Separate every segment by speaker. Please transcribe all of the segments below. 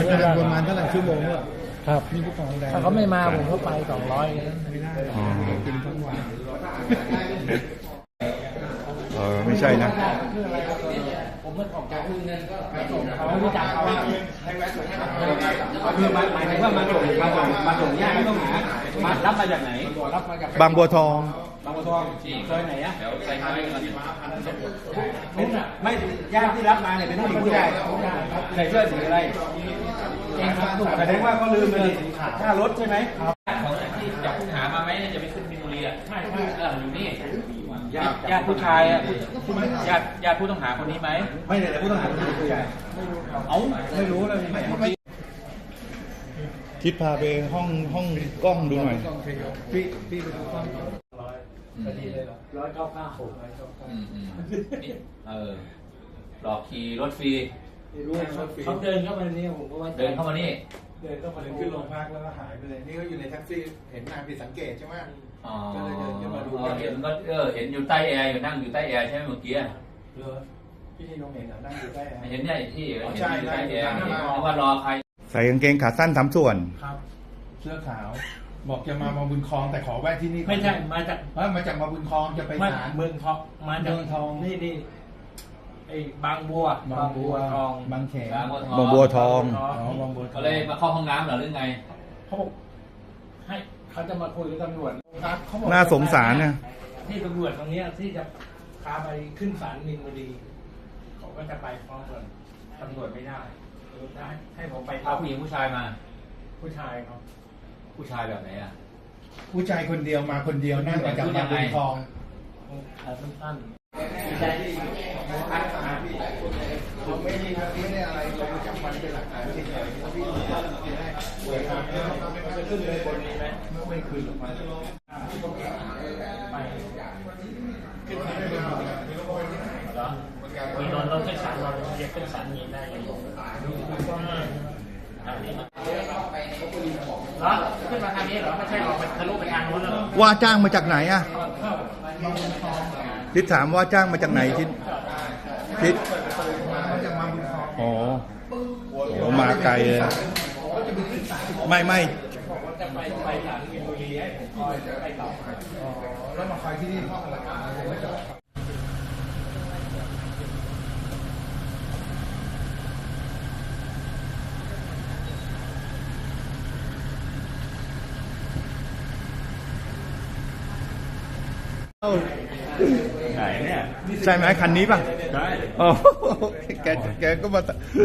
Speaker 1: ประมาณเท่าไหร่ชั่วโมงเนี่ย
Speaker 2: ครับ
Speaker 1: นี่ผู้กองแดง
Speaker 2: ถ้าเขาไม่มาผมก็ไป200เลย
Speaker 1: ไม่ได้กินทั้งวัน
Speaker 3: ไม่ใช่นะ
Speaker 2: ผมไม่ออกจากเงินก็เขาไม่รู้จักเขา
Speaker 4: คือหมายถึงว่ามาส่งญาติผู้ต้องหามารับมาจากไหน
Speaker 2: รับมาจาก
Speaker 3: บางบัวทอง
Speaker 4: บางบัวทองซอยไหนอ่ะ
Speaker 2: ใส่ไม้
Speaker 4: ไม่ญาติที่รับมาเนี่ยเป็นผู้หญิงผู้ชายใส่เสื้อสีอะไรแสดงว่าเขาลืมเลยค่ารถใช่ไหม
Speaker 2: ของที่จับผู้หามาไหมจะไปขึ้นมินบุรีอ่ะใช่อยู่นี่
Speaker 4: ญาติผู้ชายอ่ะ
Speaker 2: ญาติผู้ต้องหาคนนี้ไหม
Speaker 4: ไม่เลยผู้ต้องหาเป็นผู้ชายไม่รู้เลย
Speaker 3: ทิศพาไปห้องกล้องดูหน่อย
Speaker 1: พี่ไปดูกล้อง
Speaker 2: พอดีเลย196หลอกขี่รถฟรี
Speaker 1: เขาเดินเข้ามานี่ผมก็ว่า
Speaker 2: เดินเข้ามานี่
Speaker 1: ขึ้นโรงพักแล้วก็หายไปเลยนี่ก็อยู่ในแท็กซี่เห็นนายผิดสังเกตใช่ไหมก็เลยเดินขึ้นมาดู
Speaker 2: เห็นก็เห็นอยู่ใต้แอร์อยู่นั่งอยู่ใต้แอร์ใช่ไหมเมื่อกี้
Speaker 1: พี่ที่น้องเห็นนั่งอยู่ใต้แอร์
Speaker 2: เห็นเนี่ยที่เห็นอยู่ใต้แอร์เพราะว่ารอใคร
Speaker 3: ใส่กางเกงขาสั้น3 ส่วน
Speaker 1: ครับเสื้อขาวบอกจะมาบุญคลองแต่ขอแวะที่นี่
Speaker 2: ไม่ใช่มาจาก
Speaker 1: มาบุญคลองจะไปศาล
Speaker 2: เมืองทองมาจากเมืองทองนี่ไอ้บางบัวทอง
Speaker 1: บางแข
Speaker 3: บางบัวทอง
Speaker 2: เขาเลยมาเข้าห้องน้ำหรือไง
Speaker 1: เขาบอกให้เขาจะมาคุยกับตำรวจ
Speaker 3: น่าสงสารนะ
Speaker 2: ที่ตำรวจตรงนี้ที่จะพาไปขึ้นศาลมินบุรีเขาก็จะไปพร้อมกันตำรวจไม่ได้ให้ผมไปพาผู้หญิงผู้ชายมาผู้ชายครับผู้ชายแบบไหนอ่ะ
Speaker 1: ผู้ชายคนเดียวมาคนเดียวนั่งมาจากบางบัวทอง
Speaker 2: สั้น
Speaker 1: เขาไม่ได้อะไรเราจับมันเป็นหลักฐานเฉยๆพี่ได้สวยงามจะขึ้นเลยบนนี้ไหมไม่ขึ้นหรอกมันไปขึ้นไม่ได้
Speaker 2: มีนอนเราขึ้นศาลเราเรียกขึ้นศาลนี้ได้ยังไงขึ้นมาทางนี้เหรอไม่ใช่ออกไปทะลุไปทางโน้นเหรอ
Speaker 3: ว่าจ้างมาจากไหนอ่ะทิศถามว่าจ้างมาจากไหนทิศอ๋อมาไกลเลยไม่
Speaker 2: จะไปศาลมินบุรีให้ผมคอยไปต่อ
Speaker 1: แล้วมาคอยที่นี่ห้องละกัน
Speaker 3: ไหนเนี่ยใช่ไหมคันนี้ป่ะใช่อ๋อแกก็มา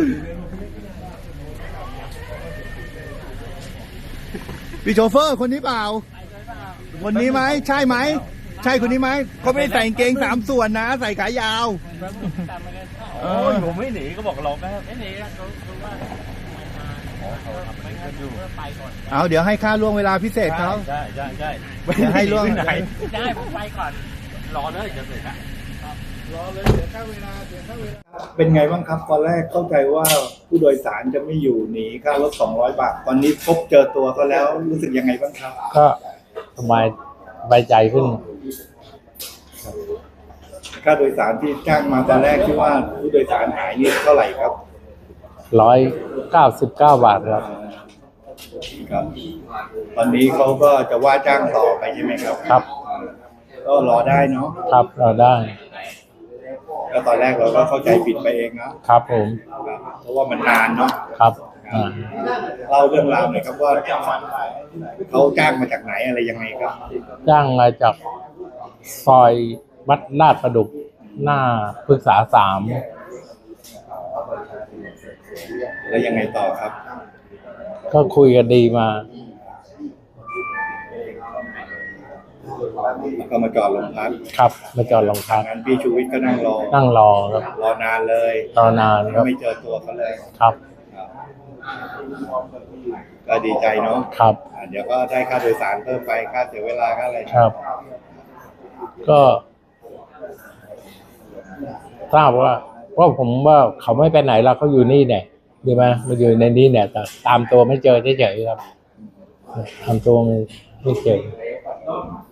Speaker 3: พี่โชเฟอร์คนนี้เปล่าคนนี้ไหมใช่ไหมใช่คนนี้ไหมเขาไม่ได้ใส่กางเกง3 ส่วนนะใส่ขายาว
Speaker 4: ผมไม่หนีก็บอกเราไม่หนี
Speaker 3: เอาเดี๋ยวให้ค่าล่วงเวลาพิเศษเขา
Speaker 4: ใช่
Speaker 3: ให้ล่วง
Speaker 2: ไหนได้ผมไปก่อนรอเลยจะเสร็จ
Speaker 1: รอเลยเสียค่าเวลา
Speaker 3: เป็นไงบ้างครับตอนแรกเข้าใจว่าผู้โดยสารจะไม่อยู่หนีค่ารถ200 บาทตอนนี้พบเจอตัวเขาแล้วรู้สึกยังไงบ้างครับ
Speaker 4: ก็สบายใจขึ้น
Speaker 3: ค่าโดยสารที่จ้างมาตอนแรกที่ว่าผู้โดยสารหายนี่เท่าไหร่ครับ
Speaker 4: 199 บาทครับ
Speaker 3: ตอนนี้เขาก็จะว่าจ้างต่อไปใช่ไหมครับ
Speaker 4: ครับ
Speaker 3: ก็รอได้เนาะ
Speaker 4: ครับรอได้
Speaker 3: แล้วตอนแรกเราก็เข้าใจผิดไปเอง
Speaker 4: นะครับผม
Speaker 3: เพราะว่ามันนานเนาะ
Speaker 4: ครับ
Speaker 3: เล่าเรื่องราวหน่อยครับว่าเขาจ้างมาจากไหนอะไรยังไงครับ
Speaker 4: จ้างมาจากซอยวัดลาดประดุกหน้าพฤกษา3
Speaker 3: แล้วยังไงต่อครับ
Speaker 4: ก็คุยกันดีมา
Speaker 3: ก็มาจอดโรงพัก
Speaker 4: ครับมาจอดโรงพัก
Speaker 3: งั้นพี่ชูวิทย์ก็นั่งรอ
Speaker 4: ครับ
Speaker 3: รอนานเลย
Speaker 4: ครับ
Speaker 3: ไม่เจอตัวเขาเลย
Speaker 4: ครับ
Speaker 3: ก็ดีใจเนาะ
Speaker 4: ครับ
Speaker 3: เดี๋ยวก็ได้ค่าโดยสารเพิ่มไปค่าเสียเวลาค่าอะไร
Speaker 4: ครับก็ทราบว่าผมว่าเขาไม่ไปไหนแล้วเขาอยู่นี่เนี่ยดีไหมมาอยู่ในนี้เนี่ยแต่ตามตัวไม่เจอเฉยๆครับตามตัวไม่เจอ